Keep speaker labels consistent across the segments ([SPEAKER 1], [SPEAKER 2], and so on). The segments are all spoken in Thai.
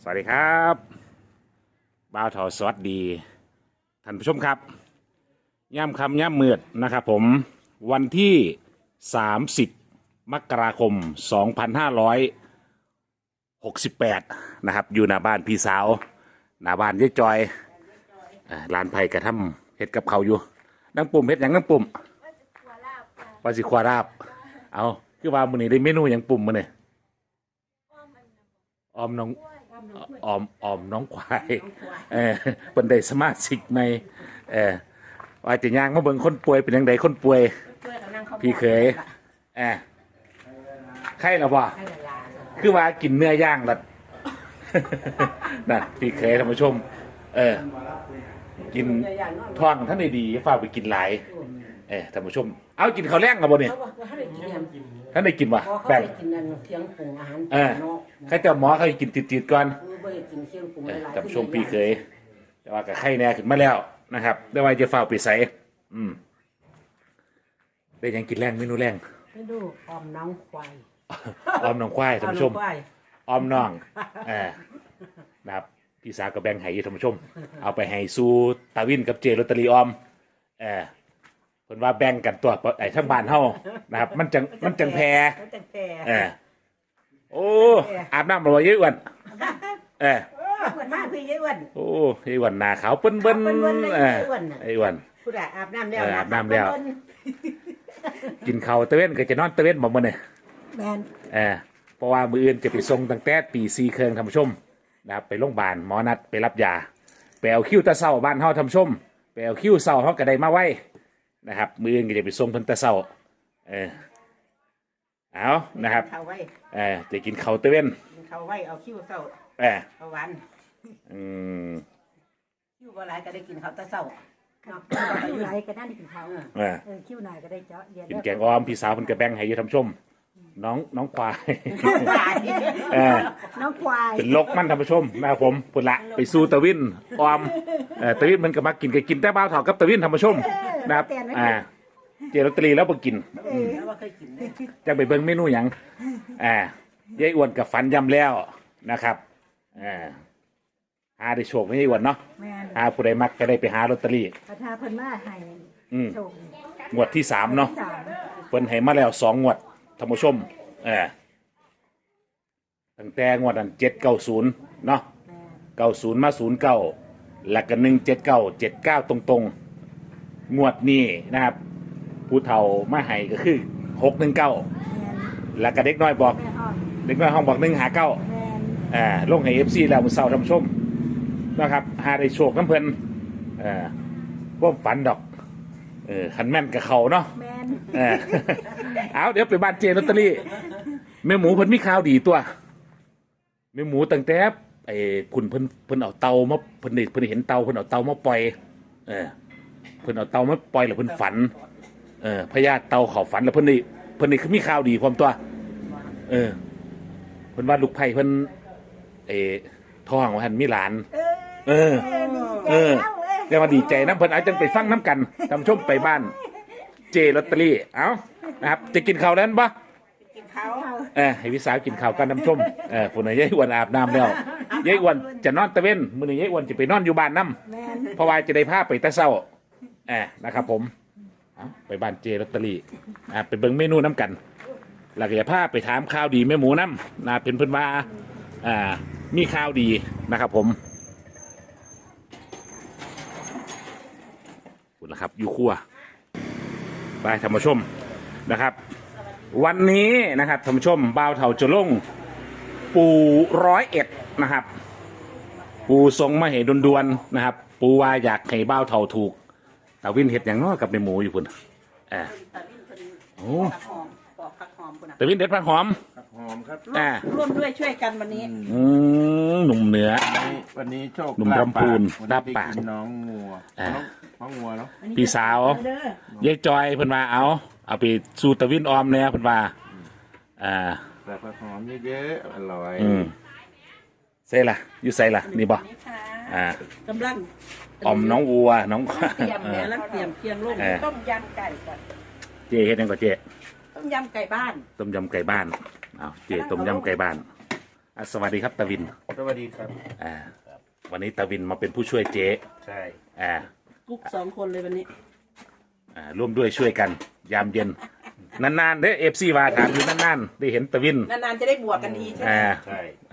[SPEAKER 1] สวัสดีครับบ่าวเถาสวัสดีท่านผู้ชมครับย่ำคำย่ำมืดนะครับผมวันที่30มกราคม2568นะครับอยู่หน้าบ้านพี่สาวหน้าบ้านยายจอยร้านไผ่กระทำเฮ็ดกับเขาอยู่นั่งปุ่มเฮ็ดอย่างนั่งปุ่มว่าสิควาราบเอาคือว่ามื้อนี้ได้เมนูอย่างปุ่มมื้อนี้ออมน้องออมน้องควายเป็นได้สมาชิกในว่าจะย่างมาเบิ่งคนป่วยเป็นยังไงคนป่วยพี่เคยไข้แล้วบ่คือว่ากินเนื้อย่างละนั่นพี่เคยท่านผู้ชมกินท้องท่านได้ดีฝากไปกินหลายท่านผู้ชมเอากินข้าวแรงกับบ่เนี่ยท่านได้กินวะแบ่ง
[SPEAKER 2] เที่ยงปรุงอาหาร
[SPEAKER 1] ใครจะหมอเขากินติดๆก่อนท่านผู้ชมพี่เคยแต่ว่ากับไข้แน่ขึ้นมาแล้วนะครับได้ว่าจะฝากไปใส่ได้ยังกินแรงเมนูแรง
[SPEAKER 2] ไม่ดูออมน้องควาย
[SPEAKER 1] ออมน้องควายท่านผู้ชมออมน้องนะครับพี่สาวกับแบงค์ไห้ท่านผู้ชมเอาไปให้ซูตาวินกับเจลอตเตอรี่ออมเพิ่นว่าแบ่งกันตัวไอ้ทั้งบ้านเฮานะครับมันจังแพรโอ้อาบน้ำบ่เยอะอ้วน
[SPEAKER 2] เหมือนมากพี่ยายอ้วน
[SPEAKER 1] โอ้ยายอ้วนหน้าขาวเปิ้นไอ้อ้วน
[SPEAKER 2] ผู้ใดอาบน้ำแล้ว
[SPEAKER 1] อาบน้ำแล้วกินข้าวตะเว้นก็จะนอนตะเว้นบ่มื้อนี่
[SPEAKER 2] แม่น
[SPEAKER 1] เพราะว่ามื้ออื่นจะไปส่งตั้งแต่ตี 4:30ท่านผู้ชมนะครับไปโรงพยาบาลหมอนัดไปรับยาไปเอาคิวตะเช้าบ้านเฮาท่านผู้ชมไปเอาคิวเช้าเฮาก็ได้มาไว้นะครับมื้ออื่นก็จะไปส่งเพิ่นตะเช้าเอานะครับจะกินข้าวตะเว้น
[SPEAKER 2] เขาไว้เอาคิวเช้าเอาวันคิวบ่หลายก็ได้กินข้าวตะเช้าคิวหลายก็ได้กินข้าวคิวหน่อยก็ได้เจาะ
[SPEAKER 1] กินแกงอ้อมพี่สาวเพิ่นก็แบ่งให้อยู่ท่านผู้ชมน้องควาย
[SPEAKER 2] น้องควาย
[SPEAKER 1] เป็นลกมันท่านผู้ชมนะครับผมพุ่นละไปสู้ตะวินออมตะวินมันก็มากินแต่บ้าวเถากับตะวินท่านผู้ชมนะครับเจลอตเตอรี่แล้วบ่กินจะไปเบิ่งเมนูหยังยายอ้วนกับฝันยำแล้วนะครับหาได้โชคไม่ยายอ้วนเนาะหาผู้ใดมักก็ได้ไปหาลอตเตอรี่
[SPEAKER 2] ประธานเพิ่นมาให้โชค
[SPEAKER 1] งวดที่3เนาะเพิ่นให้มาแล้ว2งวดท่านผู้ชมตั้งแต่งวดนั้น790เนาะ90มา09แล้วก็179 79ตรงๆงวดนี้นะครับผู้เฒ่ามาให้ก็คือ619แล้วก็เด็กน้อยบอกเด็กน้อยห้องบอก159ลงให้ FC แล้วมื้อเช้าท่านผู้ชมนะครับหาได้โชคน้ำเพิ่นพวกฝันดอกคันแม่นกับเขาเนาะเอาเดี๋ยวไปบ้านเจลอตเตอรี่แม่หมูเพิ่นมีข่าวดีตัวแม่หมูตั้งแต่คุณเพิ่นเอาเตามาเพิ่นเห็นเตาเพิ่นเอาเตามาปล่อยเพิ่นเอาเตามาปล่อยแล้วเพิ่นฝันพญาเตาเขาฝันแล้วเพิ่นนี่คือมีข่าวดีความตัวเพิ่นว่าลูกไผ่เพิ่นท้องว่าหั่นมีหลานเดี๋ยวมาดีใจน้ำเพิ่นอาจจะไปฟังน้ำกันทำชมไปบ้านเจลอตเตอรี่เอานะครับจะกินข้าวแล้วปะ
[SPEAKER 2] กินข้าว
[SPEAKER 1] ให้พี่สาวกินข้าวกันน้ำชมผู้ใดยายอ้วนอาบน้ำแล้วยายอ้วนจะนอนตะเว้นมื้อนี้ยายอ้วนจะไปนอนอยู่บ้านน้ำเพราะว่าจะได้พาไปตะเช้านะครับผมไปบ้านเจลอตเตอรี่ไปเบิ่งเมนูน้ำกันแล้วก็จะพาไปถามข่าวดีแม่หมูน้ำนะเป็นเพิ่นว่ามีข่าวดีนะครับผมนะครับอยู่ครัวไปท่านผู้ชมนะครับวันนี้นะครับท่านผู้ชมบ่าวเถาจะลงปู101นะครับปูทรงมาให้ดวนๆนะครับปูว่าอยากให้บ่าวเถาถูกตาวินเห็ดอย่างน้อยกับในหมูอยู่พุ่นโอ้ตาวินเด็ดผักหอม
[SPEAKER 2] ครับร่วมด้วยช่วยกันวันนี้
[SPEAKER 1] หนุ่มเหนือ
[SPEAKER 3] วันนี้โชค
[SPEAKER 1] หนุ่มลำพูนดับปาก
[SPEAKER 3] น้องงัวเนาะ
[SPEAKER 1] พี่สาวยายจอยเพิ่นมาเอาไปสู่ตะวินออมเนี่ยเพิ่นว่า
[SPEAKER 3] แบบผักหอมเยอะๆอร่อย
[SPEAKER 1] ใส่ละอยู่ใส่ละนี่บ่
[SPEAKER 2] กำลัง
[SPEAKER 1] ออมน้องวัวน้อง
[SPEAKER 2] เตรียมเนี่ยแล้วเตรียมเคียงลูกต้มยำไก่ก่อน
[SPEAKER 1] เจเฮ็ดยังก่อนเจ
[SPEAKER 2] ต้มยำไก่บ้าน
[SPEAKER 1] ต้มยำไก่บ้านเจต้มยำไก่บ้านสวัสดีครับตาวิน
[SPEAKER 3] สวัสดีครับ
[SPEAKER 1] อ่าวันนี้ตาวินมาเป็นผู้ช่วยเจ๊
[SPEAKER 3] ใช่
[SPEAKER 4] กุ๊ก2 คนเลยวันนี้
[SPEAKER 1] ร่วมด้วยช่วยกัน ยามเย็น นานๆเด้อFCว่าถามอยู่นานๆได้เห็นตาวิน
[SPEAKER 4] นานๆจะได้บวกกันทีใช่ไหม
[SPEAKER 3] ใช่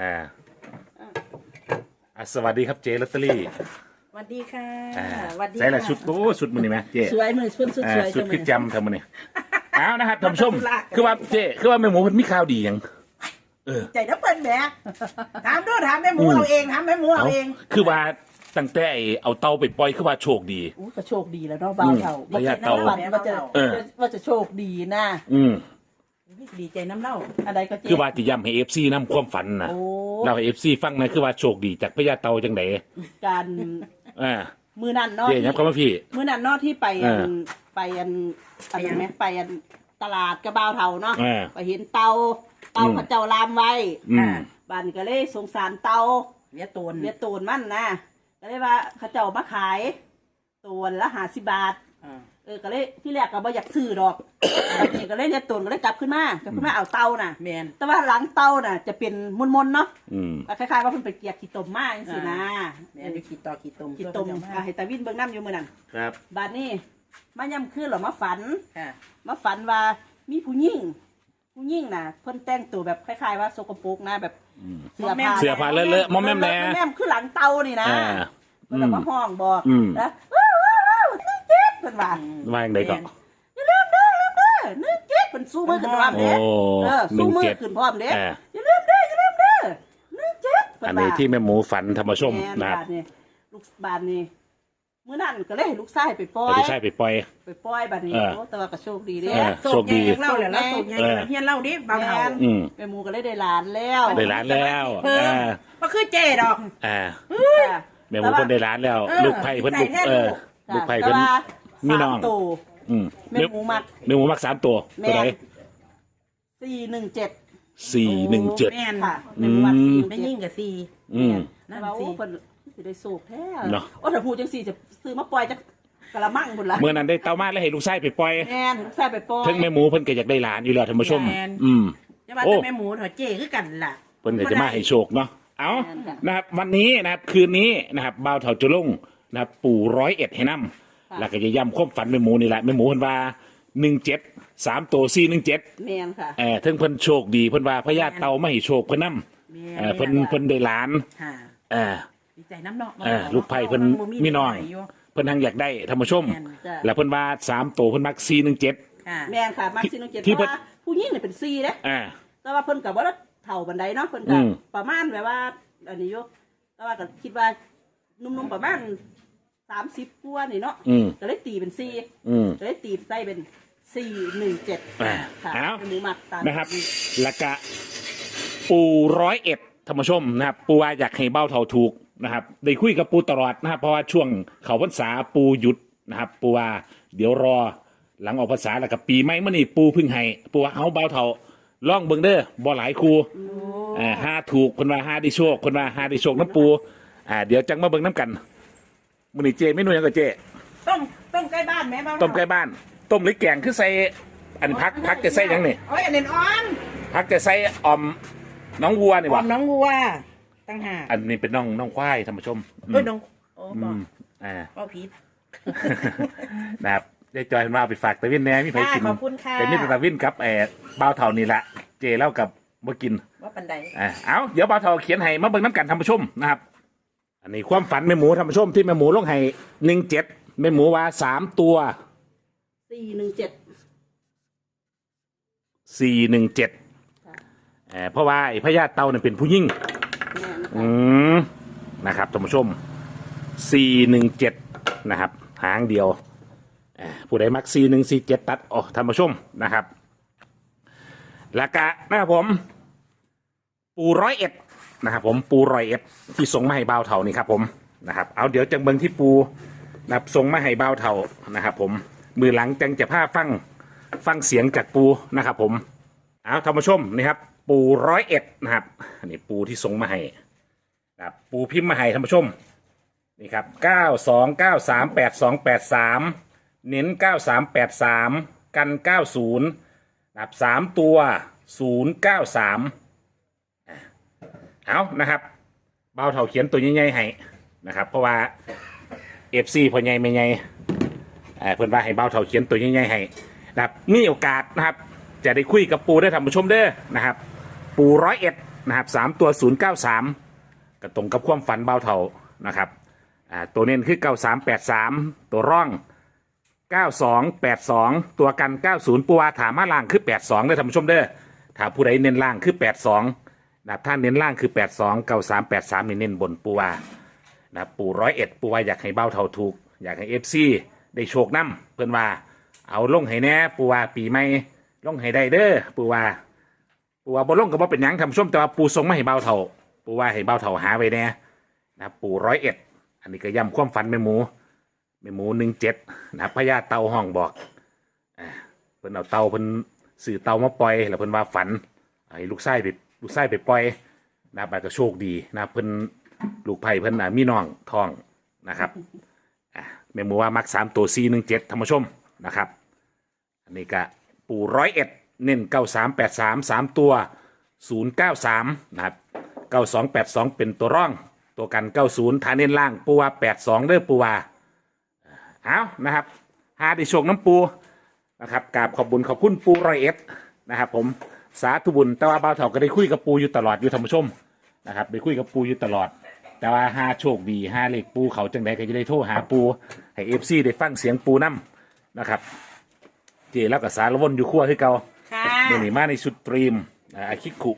[SPEAKER 1] สวัสดีครับเจ๊ลอตเตอรี่
[SPEAKER 4] สวัสดีค่ะ
[SPEAKER 1] อ่า
[SPEAKER 4] สวัสดี
[SPEAKER 1] ใส่ละ
[SPEAKER 4] ค่ะ
[SPEAKER 1] ชุดโอ้ชุดมันนี่ไหมเจ๊
[SPEAKER 4] สวยมือชุดสวย
[SPEAKER 1] ชุด
[SPEAKER 4] จัง
[SPEAKER 1] คือ
[SPEAKER 4] เลย
[SPEAKER 1] จำทำมันนี่เอานะครับท่านผู้ชม
[SPEAKER 4] ธุระ
[SPEAKER 1] คือว่าเจ๊คือว่าแม่หมูมันมีข่าวดีหยัง
[SPEAKER 4] ใจน้ำเปิ้ลแหมถามด้วยถามแม่หมูเอาเองถามแม่หมูเอาเอง
[SPEAKER 1] คือว่าตั้งแต่ไอ้เอาเตาไปปล่อยคือว่าโชคดี
[SPEAKER 4] อู้ก็โชคดีแล้วเนาะเบาเท่า
[SPEAKER 1] ระยะเตา
[SPEAKER 4] ฝันว่าจะโชคดีนะ
[SPEAKER 1] อืม
[SPEAKER 4] ดีใจน้ำเล่าอะไรก็เจ๊
[SPEAKER 1] คือว่าจะย้ำให้ FC นำความฝันนะ
[SPEAKER 4] โอ้
[SPEAKER 1] เราให้ FC ฟังนะคือว่าโชคดีจากพญาเตาจังได
[SPEAKER 4] การ
[SPEAKER 1] อ่า
[SPEAKER 4] มือนั่นเนาะ
[SPEAKER 1] เจ๊ยับเข้ามาพี่
[SPEAKER 4] มือนั่นเนาะที่ไป
[SPEAKER 1] เออ
[SPEAKER 4] อะไรไหมไปตลาดกระเบาเท่าเนาะ
[SPEAKER 1] เออ
[SPEAKER 4] ไปเห็นเตาเขาเจ้าลามไว้
[SPEAKER 1] อืม
[SPEAKER 4] บ้านก็เลยสงสารเตาเลี้ยตูนมันนะก็เลยว่าเขาเจ้ามาขายตูนละ50 บาทก็เลยที่แรกก็บ่อยากซื้อดอกตอนนี้ก็เลยเลี้ยตูนก็เลยกลับขึ้นมาเอาเตาน่ะแมนแต่ว่าหลังเตาน่ะจะเป็นมนๆเนาะ
[SPEAKER 1] อืม
[SPEAKER 4] คล้ายๆว่าเพิ่นไปเกลียกขี้ตมมาจังซี่นะ
[SPEAKER 2] แม่นขี้ตม
[SPEAKER 4] ขี้ตมให้ตาวินเบิ่งน้ำอยู่มื้อนั้น
[SPEAKER 3] ครับ
[SPEAKER 4] บัดนี้มาย่ำคืนหรอมาฝัน
[SPEAKER 2] ค่ะ
[SPEAKER 4] มาฝันว่ามีผู้หญิงน่ะเพิ่นแต่งตัวแบบคล้ายๆว่าสกปรกนะแบบเสื้อผ้า
[SPEAKER 1] เสื้อผ้าเลอะๆมอมแมมแน่
[SPEAKER 4] แม่มคือหลังเตานี่นะ
[SPEAKER 1] อ่า
[SPEAKER 4] เพิ่นก็มาห้องบอก
[SPEAKER 1] อืม
[SPEAKER 4] นะว้าวเจ็บเพิ่นว่า
[SPEAKER 1] ว่าอย่างไรก็
[SPEAKER 4] อย่าลืมเด้อนึกเจ็บเพิ่นสู้มือขึ้นพร้อม
[SPEAKER 1] โอ้
[SPEAKER 4] เด้สู้มือ
[SPEAKER 1] 17
[SPEAKER 4] ขึ้นพร้อมเด้
[SPEAKER 1] อ่า
[SPEAKER 4] อย่าลืมเด้อนึกเจ็บเพิ่
[SPEAKER 1] อัน
[SPEAKER 4] ว่า
[SPEAKER 1] นี้ที่แม่หมูฝันธรรมชม
[SPEAKER 4] แม่
[SPEAKER 1] นะครับ
[SPEAKER 4] บาดนี่ลูกบาดนี่มื้อนั้นก็เลยให้ลูกชายไปปล่อ
[SPEAKER 1] แต่
[SPEAKER 4] ย
[SPEAKER 1] ไม่ใช่ไปปล่อย
[SPEAKER 4] บัดนี้
[SPEAKER 1] เออ
[SPEAKER 4] โอ้แต่ว่าก็โชคดีเด้
[SPEAKER 1] เออโชคดี
[SPEAKER 2] เล่าแล้วโศกใหญ่เฮียนเล่าดิเบาเท่า
[SPEAKER 1] อืม
[SPEAKER 4] แม่หมูก็เลยได้หลานแล้ว
[SPEAKER 1] ได้ร้านแล้ว
[SPEAKER 2] เพิ่ม
[SPEAKER 1] อ่า
[SPEAKER 2] ก็คือเจดอก
[SPEAKER 1] อ่า
[SPEAKER 4] ค่ะ
[SPEAKER 1] แม่หมูเพิ่นได้ร้านแล้ว ลูกไผ่เพิ่นลูก
[SPEAKER 2] ใส่แน่
[SPEAKER 1] ลูกไผ่เพิ่น มีน้อง
[SPEAKER 4] 3 ตัว
[SPEAKER 1] อืม
[SPEAKER 4] แม่หมูมัก
[SPEAKER 1] แม่หมูมัก3 ตัวตัวไหน
[SPEAKER 4] 417
[SPEAKER 1] 417
[SPEAKER 2] แม่น
[SPEAKER 4] ค่ะแม่หมูมัก
[SPEAKER 1] อืม
[SPEAKER 2] ไม่
[SPEAKER 4] 417
[SPEAKER 2] ยิ่งกับซี
[SPEAKER 1] อืม
[SPEAKER 4] แต่ว่าโอ้เพิ่นสิได้สูกแท้
[SPEAKER 1] เนาะ
[SPEAKER 4] โอ้ถ้าพูดจังซี่จะซื้อมาปล่อยจักกะละมังพุ่นล่ะ
[SPEAKER 1] เมื่อนั้นได้เต้ามาแล้วให้ลูกชายไปปล่อย
[SPEAKER 4] แม่นถึงใส่ไปปล่อย
[SPEAKER 1] ถึงแม่หมูเพิ่นก็อยากได้หลานอยู่แล้วท่านผู้ชม อืม
[SPEAKER 2] จะว่า
[SPEAKER 1] โอ้
[SPEAKER 2] แต่แม่หมูเถอะเจคือกันล่ะ
[SPEAKER 1] เพิ่นก็จะมาให้โชคเนาะ เอานะครับ วันนี้นะครับ คืนนี้นะครับบ่าวเถาจุลงนะครับ ปู่101ให้นำ แล้วก็จะย้ำความฝันแม่หมูนี่แหละแม่หมูเพิ่นว่า17 3 ตัว417
[SPEAKER 4] แม่นค่ะ
[SPEAKER 1] ถึงเพิ่นโชคดีเพิ่นว่าพญาเต่ามาให้โชคเพิ่นนำเพิ่นได้หลาน
[SPEAKER 2] ค่ะ
[SPEAKER 1] เออ
[SPEAKER 2] ดีใจน้ำเนาะ
[SPEAKER 1] ลูกไผ่เพิ่นมีน้อง เพิ่นทางอยากได้ท่านผู้ชม
[SPEAKER 4] จ้ะ
[SPEAKER 1] แล้วเพิ่นว่า3ตัวเพิ่นมัก417
[SPEAKER 2] ค่ะ
[SPEAKER 4] แม่นค่ะมัก417
[SPEAKER 1] ที่
[SPEAKER 4] เพราะว่าผู้หญิงนี่เป็น4เด้
[SPEAKER 1] อ่า
[SPEAKER 4] แต่ว่าเพิ่นก็บ่ได้เฒ่าบันไดเนาะเพิ่น
[SPEAKER 1] อื
[SPEAKER 4] ก็
[SPEAKER 1] ม
[SPEAKER 4] ประมาณแบบว่าอันนี้อยู่แต่ว่าก็คิดว่านุ่มๆประมาณ30กว่านี่เนาะ
[SPEAKER 1] อืม
[SPEAKER 4] ก็เลยตีเป็น
[SPEAKER 1] อืม
[SPEAKER 4] 4ก็เลยตีใส่เป็น417
[SPEAKER 1] อ่า
[SPEAKER 4] ค่ะ
[SPEAKER 1] เอา
[SPEAKER 4] หมูหมักตาม
[SPEAKER 1] นะครับแล้วก็ปู101ธรรมชมนะครับปูว่าอยากให้เบ้าเท่าถูกนะครับได้คุยกับปูตลอดนะครับเพราะว่าช่วงเขาพรรษาปูหยุดนะครับปูว่าเดี๋ยวรอหลังออกพรรษาแล้วกับปีใหม่มื่อนี้ปูเพึ่งให้ปูว่าเอาเบ้าเท่าล่องเบิ่งเด้อบ่หลายครูห้าถูกคนว่าห้าได้โชคคนว่าห้าได้โชคน้ำปูเดี๋ยวจังมาเบิ่งน้ำกันมื่อนี้เจไม่นุ่ยยังกับเจ
[SPEAKER 2] ต้มใกล้บ้านแม่บ้าน
[SPEAKER 1] ต้มใกล้บ้าน ต้มหรือแกงคือใส่อันพักจะใส่หยังนี่
[SPEAKER 2] โอ้ยอันนี้อ่อน
[SPEAKER 1] พักจะใส่ออมน้องวัวนี่
[SPEAKER 2] อ่อ
[SPEAKER 1] วะ
[SPEAKER 2] มน้องวัวตั้งหาก
[SPEAKER 1] อันนี้เป็นน้องควายท่านผู้ชม
[SPEAKER 2] เอ้ยน้องโอ้
[SPEAKER 1] อื
[SPEAKER 2] บอก
[SPEAKER 1] มอ่า
[SPEAKER 2] ก็ผิด
[SPEAKER 1] นะครับได้จอยมาเอาไปฝากตะวินแหน่มีใครกิน
[SPEAKER 2] ขอบคุณค่ะ
[SPEAKER 1] แต่มีแต่ตะวินกับบ่าวเท่านี่แหละเจเล่ากับบ่กิน
[SPEAKER 2] ว่าปันใด
[SPEAKER 1] เอาเดี๋ยวบ่าวเท่าเขียนให้มาเบิ่งน้ำกันท่านผู้ชมนะครับ อันนี้ความฝันแม่หมูท่านผู้ชมที่แม่หมูลงให้17แม่หมูว่า3ตัว
[SPEAKER 4] 417
[SPEAKER 1] 417เพราะว่าไอ้พญาเต่าเนี่ยเป็นผู้หญิง
[SPEAKER 4] แม่น
[SPEAKER 1] อื
[SPEAKER 4] ค่ะ
[SPEAKER 1] มนะครับท่านผู้ชม417นะครับหางเดียวผู้ใดมัก4147ตัดอ๋อท่านผู้ชมนะครับแล้วก็นะครับผมปู101นะครับผมปู101ที่ส่งมาให้บ่าวเถานี่ครับผมนะครับเอาเดี๋ยวจังเบิงที่ปูนะครับส่งมาให้บ่าวเถานะครับผมมือหลังจังจะพาฟังเสียงจากปูนะครับผมเอาท่านผู้ชมนี่ครับปู101นะครับอันนี้ปูที่ส่งมาให้นะครับปูพิมพ์มาให้ท่านผู้ชมนี่ครับ92938283เน้น9383กัน90นะครับ3ตัว093 เอานะครับเบาเท่าเขียนตัวใหญ่ๆให้นะครับเพราะว่า FC พอใหญ่ไม่ใหญ่เพื่อนว่าให้เบาเท่าเขียนตัวใหญ่ๆให้นะครับมีโอกาสนะครับจะได้คุยกับปูได้ท่านผู้ชมเด้อนะครับปู101นะครับ3ตัว093ก็ตรงกับความฝันเบาเท่านะครับตัวเน้นคือ9383ตัวร่อง9282ตัวกัน90ปูวาถามมาล่างคือ82ได้ท่านผู้ชมเด้อถ้าผู้ใดเน้นล่างคือ82นะครับถ้าเน้นล่างคือ82 9383นี่เน้นบนปูวานะครับปู101ปูวาอยากให้เบาเท่าถูกอยากให้ FC ได้โชคนำเพื่อนว่าเอาลงให้แน่ปูวาปีใหม่ลงให้ได้เด้อปูวาบ่ลงก็บ่เป็นหยังท่านผู้ชมแต่ว่าปูส่งมาให้เบาเท่าปูวาให้เบาเท่าหาไว้แน่นะครับปู101อันนี้ก็ย้ำความฝันแม่หมู17นะครับพญาเต่าห้องบอกเพิ่นเอาเต่าเพิ่นสื่อเต่ามาปล่อยแล้วเพิ่นว่าฝันให้ลูกไส้ไปปล่อยนะครับก็โชคดีนะครับเพิ่นลูกไผ่เพิ่นมีน้องทองนะครับแม่หมูว่ามัก3ตัว417ท่านผู้ชมนะครับอันนี้ก็ปู่101เน้น9383 3ตัว093นะครับ9282เป็นตัวร่องตัวกัน90ฐานเน้นล่างปูว่า82เด้อปูว่าเอานะครับหาได้โชคน้ำปูนะครับกราบขอบบุญขอบคุณปู101นะครับผมสาธุบุญแต่ว่าบ่าวเฒ่าก็ได้คุยกับปูอยู่ตลอดอยู่ท่านผู้ชมนะครับได้คุยกับปูอยู่ตลอดแต่ว่าหาโชคดีหาเลขปูเขาจังใดก็จะได้โทรหาปูให้ FC ได้ฟังเสียงปูนํนะครับเจแล้วก็สารวนอยู่ครัวคือเก่าเดี๋ยวนี้มาในชุดตรีมอาคิคุ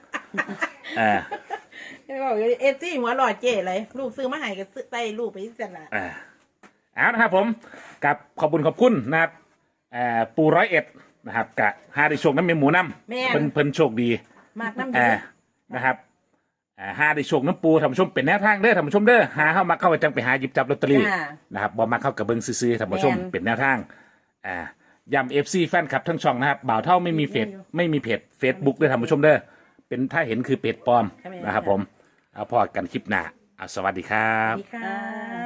[SPEAKER 5] บอกเอฟซีหัวหลอดเจ๋เลยลูกซื้อมาให้ก็ซื้อไปลูกไปที่จันละ
[SPEAKER 1] เอานะครับผมกับขอบคุณนะครับปู101นะครับกับหาได้โชคน้ำเมหมูน้ำเพิ่นโชคดี
[SPEAKER 5] มากน้ำดี
[SPEAKER 1] นะครับหาได้โชคน้ำปูท่านผู้ชมเป็นแนวทางเด้อท่านผู้ชมเด้อหาเข้ามาเข้าไปจังไปหาหยิบจับลอตเตอรี่นะครับบ่มาเข้ากับเบิ้งซื้อท่านผู้ชมเป็นแนวทางย้ำ FC แฟนคลับทั้งช่องนะครับบ่าวเท่าไม่มีเพจ Facebook ด้วยท่านผู้ชมเด้อเป็นถ้าเห็นคือเพจปลอมนะครับผมเอาพอกันคลิปหน้าสวัสดีครับ